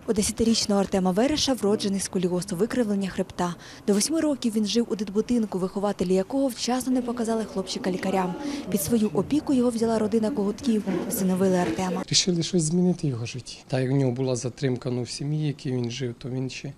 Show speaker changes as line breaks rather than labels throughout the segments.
У 10-річного Артема Вереша вроджений сколіоз – викривлення хребта. До 8 років він жив у дитбудинку, вихователі якого вчасно не показали хлопчика лікарям. Під свою опіку його взяла родина Когутків, всиновили Артема.
Рішили щось змінити в його житті. Та як в нього була затримка в сім'ї, в якій він жив, то він ще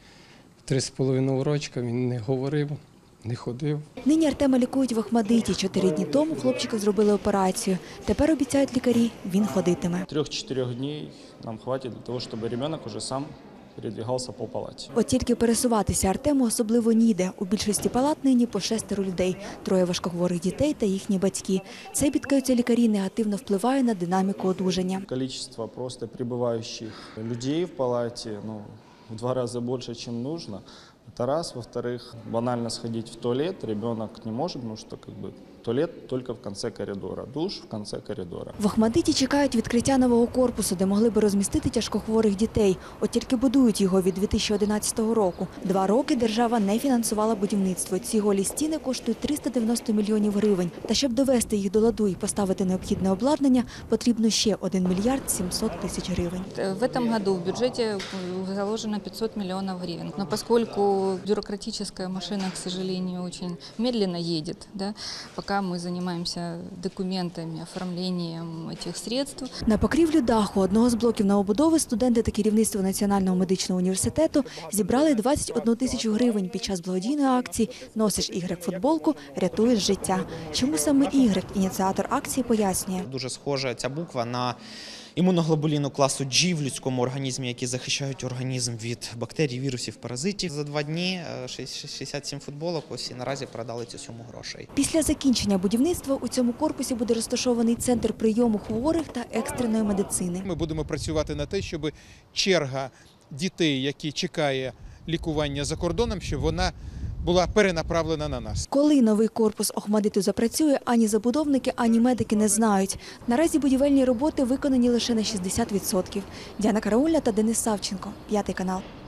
3,5 рочка, він не говорив, не ходив.
Нині Артема лікують в Охмадиті. 4 дні тому хлопчика зробили операцію. Тепер, обіцяють лікарі, він ходитиме.
3-4 днів нам хватить для того, щоб ребенок уже сам передвигався по палаті.
От тільки пересуватися Артему особливо ніде. У більшості палат нині по 6 людей, 3 важкохворих дітей та їхні батьки. Це, бідкаються лікарі, негативно впливає на динаміку одужання.
Кількість просто прибуваючих людей в палаті в 2 рази більше, ніж потрібно. Это раз. Во-вторых, банально сходить в туалет ребенок не может, потому что туалет только в конце коридора, душ в конце коридора.
В Охмадиті чекають відкриття нового корпусу, де могли би розмістити тяжкохворих дітей. От тільки будують його від 2011 року. 2 роки держава не фінансувала будівництво. Ці голі стіни коштують 390 мільйонів гривень. Та щоб довести їх до ладу і поставити необхідне обладнання, потрібно ще 1 мільярд 700 тисяч гривень.
В этом году в бюджете заложено 500 миллионов гривен. Но поскольку бюрократическая машина, к сожалению, очень медленно едет, да, пока мы занимаемся документами, оформлением этих средств.
На покрівлю даху одного з блоків новобудови студенти та керівництво Національного медичного університету зібрали 21 тисячу гривень під час благодійної акції «Носиш Y-футболку, рятуєш життя». Чому саме Y, ініціатор акції, пояснює.
Дуже схожа ця буква на імуноглобуліну класу G в людському організмі, які захищають організм від бактерій, вірусів, паразитів. За 2 дні 67 футболок ось і наразі продали цю суму грошей.
Після закінчення будівництва у цьому корпусі буде розташований центр прийому хворих та екстреної медицини.
Ми будемо працювати на те, щоб черга дітей, які чекає лікування за кордоном, щоб вона була перенаправлена на нас.
Коли новий корпус Охмадиту запрацює, ані забудовники, ані медики не знають. Наразі будівельні роботи виконані лише на 60%. Діана Караульна та Денис Савченко, 5 канал.